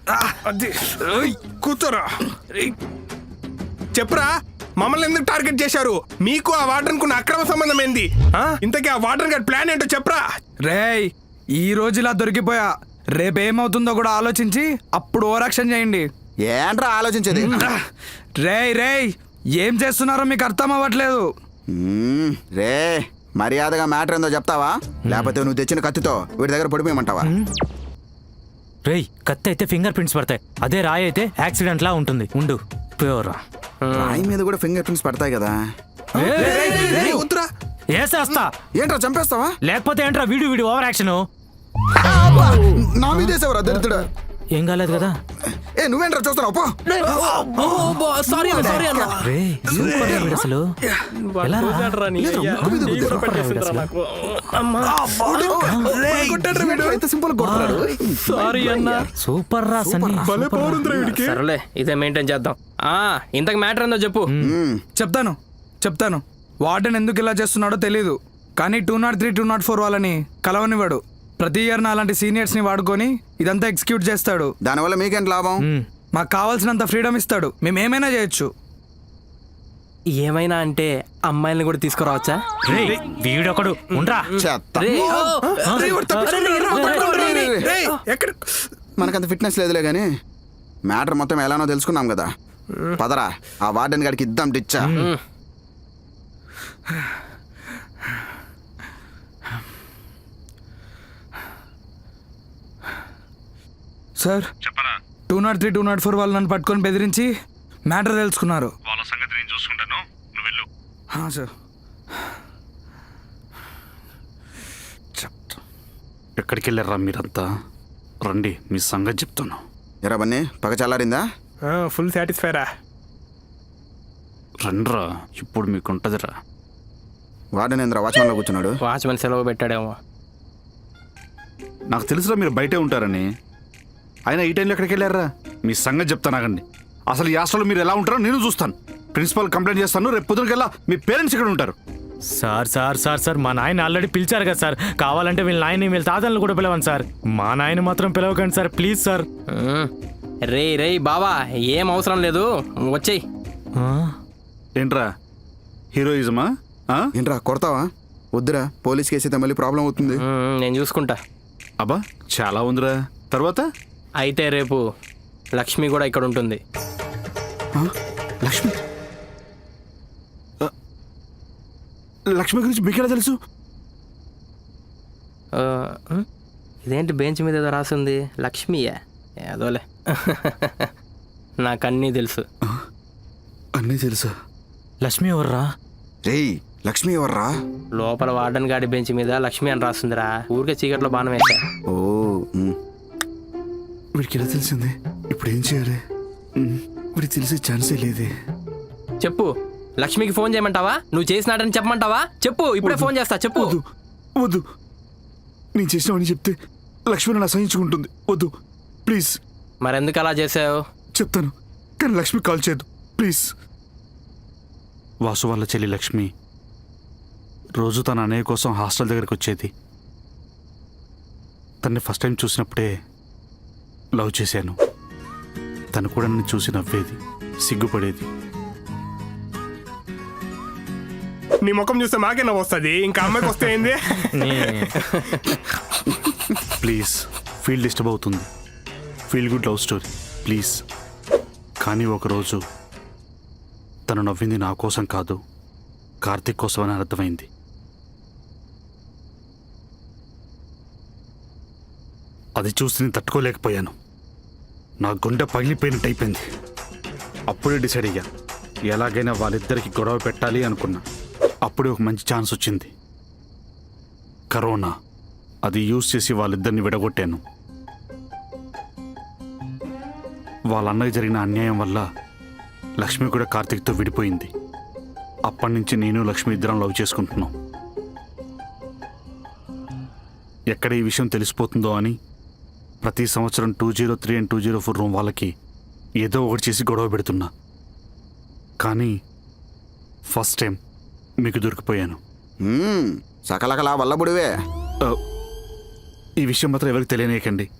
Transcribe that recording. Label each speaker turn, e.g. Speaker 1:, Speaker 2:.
Speaker 1: అది కూర్చోరా. చెప్పురా, మమ్మల్ని ఎందుకు టార్గెట్ చేశారు? మీకు ఆ వార్డెన్ కున్న అక్రమ సంబంధం ఏంది? ఇంతకీ ఆ వార్డెన్ గారి ప్లాన్ ఏంటో చెప్పరా.
Speaker 2: రేయ్, ఈ రోజు ఇలా దొరికిపోయా, రేపేమవుతుందో కూడా ఆలోచించి అప్పుడు ఓవరాక్షన్ చేయండి.
Speaker 3: ఏంట్రా ఆలోచించేది?
Speaker 2: రేయ్ రేయ్, ఏం చేస్తున్నారో మీకు అర్థం అవ్వట్లేదు.
Speaker 3: రే, మర్యాదగా మ్యాటర్ ఏందో చెప్తావా, లేకపోతే నువ్వు తెచ్చిన కత్తితో వీడి దగ్గర పడిపోయమంటావా?
Speaker 4: రేయ్, కత్తి అయితే ఫింగర్ ప్రింట్స్ పడతాయి, అదే రాయి అయితే యాక్సిడెంట్ లా ఉంటుంది. ఉండు ప్యూరా.
Speaker 3: రాయి మీద కూడా ఫింగర్ ప్రింట్స్ పడతాయి కదా.
Speaker 1: వద్దురా.
Speaker 4: ఏసేస్తా.
Speaker 3: ఏంట్రా చంపేస్తావా?
Speaker 4: లేకపోతే ఏంట్రా వీడియో ఓవర్ యాక్షన్.
Speaker 3: నా మీద వేసేవరా దరిద్రుడా.
Speaker 4: ఏం కాలేదు కదా?
Speaker 3: ఏ నువ్వేంట్రా చూస్తున్నావు? పో.
Speaker 4: రేయ్, సూపర్ రా వీడు అసలు. ఎలా రా?
Speaker 3: ఎంత సింపుల్ కొడుతున్నాడు.
Speaker 4: సూపర్ రా సన్నీ.
Speaker 5: సరేలే, ఇదే మెయింటైన్ చేద్దాం. ఇంతకు మ్యాటర్ ఏందో చెప్పు.
Speaker 2: చెప్తాను. వార్డెన్ ఎందుకు ఇలా చేస్తున్నాడో తెలీదు, కానీ 203, 204 వాళ్ళని కలవనివాడు. ప్రతి ఇయర్ నా అలాంటి సీనియర్స్ ని వాడుకొని ఇదంతా ఎగ్జిక్యూట్ చేస్తాడు.
Speaker 3: దానివల్ల మీకేంటి లాభం?
Speaker 2: మాకు కావాల్సినంత ఫ్రీడమ్ ఇస్తాడు, మేము ఏమైనా చేయొచ్చు.
Speaker 5: ఏమైనా అంటే అమ్మాయిల్ని కూడా తీసుకురావచ్చా?
Speaker 4: రేయ్, వీడొకడు ఉండ్రా.
Speaker 3: చెత్త. మనకంత ఫిట్నెస్ లేదులే గానీ మ్యాటర్ మొత్తం ఎలానో తెలుసుకున్నాం కదా. పదరా, ఆ వార్డెన్ గారికి ఇద్దాం డిచ్చా.
Speaker 2: సార్, 203, 204 వాళ్ళు నన్ను పట్టుకొని బెదిరించి మ్యాటర్ తెలుసుకున్నారు.
Speaker 6: వాళ్ళ సంగతి నేను చూసుకుంటాను, నువ్వు వెళ్ళు.
Speaker 2: సార్.
Speaker 6: ఎక్కడికి వెళ్ళారా మీరంతా? రండి, మీ సంగతి చెప్తాను.
Speaker 3: ఎరా బన్నీ, పగ చల్లారిందా?
Speaker 1: ఫుల్ సాటిస్ఫైరా.
Speaker 6: రండ్రా, ఇప్పుడు మీకు ఉంటదిరా.
Speaker 3: వార్డెన్ ఏంద్రా వాచ్మెన్లో కూర్చున్నాడు?
Speaker 5: వాచ్మెన్ సెలవు పెట్టాడేమో.
Speaker 6: నాకు తెలుసురా మీరు బయటే ఉంటారని. అయినా ఈ టైంలో ఎక్కడికి వెళ్ళారా? మీ సంగతి చెప్తాను ఆగండి. అసలు ఈ హాస్టల్లో మీరు ఎలా ఉంటారో నేను చూస్తాను. ప్రిన్సిపాల్ కంప్లైంట్ చేస్తాను. రేపు పొద్దునకెళ్ళా మీ పేరెంట్స్ ఇక్కడ ఉంటారు.
Speaker 4: సార్, మా నాయన ఆల్రెడీ పిలిచారు కదా సార్. కావాలంటే వీళ్ళ నాయన వీళ్ళ తాతలను కూడా పిలవండి సార్. మా నాయన మాత్రం పిలవకండి సార్, ప్లీజ్ సార్.
Speaker 5: రే బావా, ఏం అవసరం లేదు, వచ్చేయ్.
Speaker 6: ఏంట్రా హీరోయిజమా?
Speaker 3: ఏంట్రా కొడతావా? వద్దురా, పోలీస్ కేసు అయితే మళ్ళీ ప్రాబ్లం అవుతుంది.
Speaker 5: నేను చూసుకుంటా.
Speaker 6: అబ్బా, చాలా ఉందిరా. తర్వాత
Speaker 5: అయితే రేపు లక్ష్మి కూడా ఇక్కడ ఉంటుంది.
Speaker 6: లక్ష్మి? లక్ష్మి గురించి మీకెలా తెలుసు?
Speaker 5: ఇదేంటి బెంచ్ మీద ఏదో రాసింది? లక్ష్మియా? ఏదోలే. నాకన్నీ తెలుసు.
Speaker 6: అన్నీ తెలుసా?
Speaker 4: లక్ష్మి ఎవర్రా?
Speaker 3: రేయ్, లక్ష్మి ఎవర్రా?
Speaker 5: లోపల వార్డెన్ గాడి బెంచ్ మీద లక్ష్మి అని రాస్తుందిరా. ఊరికే చీకట్లో బాణం వేసా.
Speaker 3: ఓ,
Speaker 6: వీడికి ఎలా తెలిసింది? ఇప్పుడు ఏం చేయాలి? వీడికి తెలిసే ఛాన్సే లేదే.
Speaker 5: చెప్పు, లక్ష్మికి ఫోన్ చేయమంటావా? నువ్వు చేసినాడని చెప్పమంటావా? చెప్పు, ఇప్పుడే ఫోన్ చేస్తా. చెప్పు.
Speaker 6: వద్దు, నేను చేసినావని చెప్తే లక్ష్మి నన్ను అసహించుకుంటుంది. వద్దు ప్లీజ్.
Speaker 5: మరెందుకు అలా చేసావు?
Speaker 6: చెప్తాను, కానీ లక్ష్మి కాల్ చేయదు ప్లీజ్. వాసు వాళ్ళ చెల్లి లక్ష్మి రోజు తన అన్నయ్య కోసం హాస్టల్ దగ్గరికి వచ్చేది. తన్ని ఫస్ట్ టైం చూసినప్పుడే లవ్ చేశాను. తను కూడా నన్ను చూసి నవ్వేది, సిగ్గుపడేది.
Speaker 1: నీ ముఖం చూస్తే మాకే నవ్వు వస్తుంది, ఇంకా అమ్మాయికి వస్తే ఏంది?
Speaker 6: ప్లీజ్, ఫీల్ డిస్టర్బ్ అవుతుంది. Feel good love story please. కానీ ఒకరోజు తను నవ్వింది నా కోసం కాదు, కార్తీక్ కోసం అని అర్థమైంది. అది చూసి నేను తట్టుకోలేకపోయాను. నా గుండె పగిలిపోయినట్టు అయిపోయింది. అప్పుడే డిసైడ్ అయ్యా, ఎలాగైనా వాళ్ళిద్దరికి గొడవ పెట్టాలి అనుకున్నా. అప్పుడే ఒక మంచి ఛాన్స్ వచ్చింది, కరోనా. అది యూజ్ చేసి వాళ్ళిద్దరిని విడగొట్టాను. వాళ్ళ అన్నకి జరిగిన అన్యాయం వల్ల లక్ష్మి కూడా కార్తీక్తో విడిపోయింది. అప్పటి నుంచి నేను లక్ష్మి ఇద్దరం లవ్ చేసుకుంటున్నాం. ఎక్కడ ఈ విషయం తెలిసిపోతుందో అని ప్రతి సంవత్సరం 203 and 204 రూమ్ వాళ్ళకి ఏదో ఒకటి చేసి గొడవ పెడుతున్నా. కానీ ఫస్ట్ టైం మీకు దొరికిపోయాను.
Speaker 3: సకలకలా వల్లబుడివే.
Speaker 6: ఈ విషయం మాత్రం ఎవరికి తెలియనీయకండి.